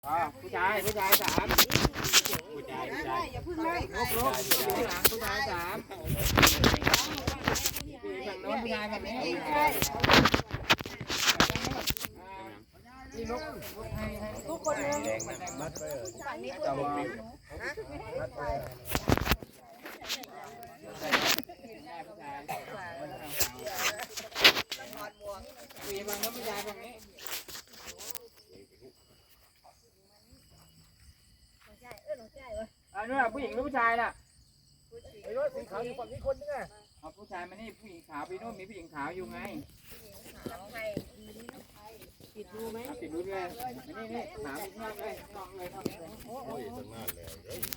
ผู้ชายสามผู้ชายอย่าพึ่งเลยลุกหลังผู้ชายสามฝั่งโน้นผู้ชายแบบนี้นี่ลุกให้ทุกคนเลยมัดไปเลยฝั่งนี้จะบอกปิวมัดไปคุยฝั่งโน้นผู้ชายฝั่งนี้นู่นน่ะผู้หญิงหรือผู้ชายน่ะไอ้รถสีขาวอยู่ฝั่งนี้คนนึงไงเอาผู้ชายมานี่ผู้หญิงขาวไปโน่นมีผู้หญิงขาวอยู่ไงปิดรูไหมติดรู้ด้วยนี่ขาวมากเลยนองเลยโอ้ยตั้งนานแล้ว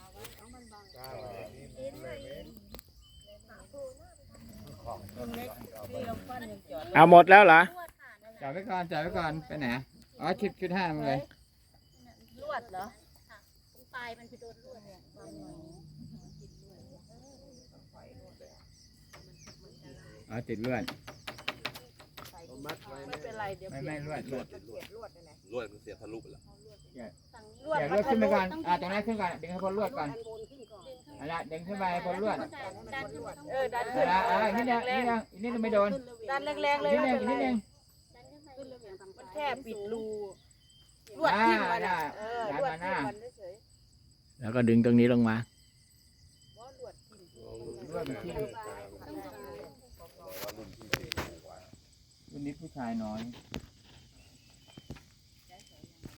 เอาหมดแล้วเหรอจ่ายไว้ก่อนไปไหนอ๋อชุดห้ามันเลยลวดเหรอปลายมันคือโดนลวดเนี่ยอ๋อติดเลือดมัดไว้ไม่เป็นไรเดี๋ยวไม่เลือดลวดมันเสียทะลุไปแล้วลวดเดี๋ยวเลือดขึ้นไปก่อนตรงนั้นขึ้นก่อนดึงให้พ้นเลือดก่อนอะไรดึงขึ้นไปพ้นเลือดดันขึ้นมาดันขึ้นอีกนิดนึงไม่โดนดันแรงๆเลยอีกไม่นิดเป็นนึไรง มันแค่ปิดรูลวดทิ่มมันลวดทิ่มมันเฉยแล้วก็ดึงตรงนี้ลงมาลวดทิ่มเลือดมันที่รุ่นนี้ผู้ชายน้อย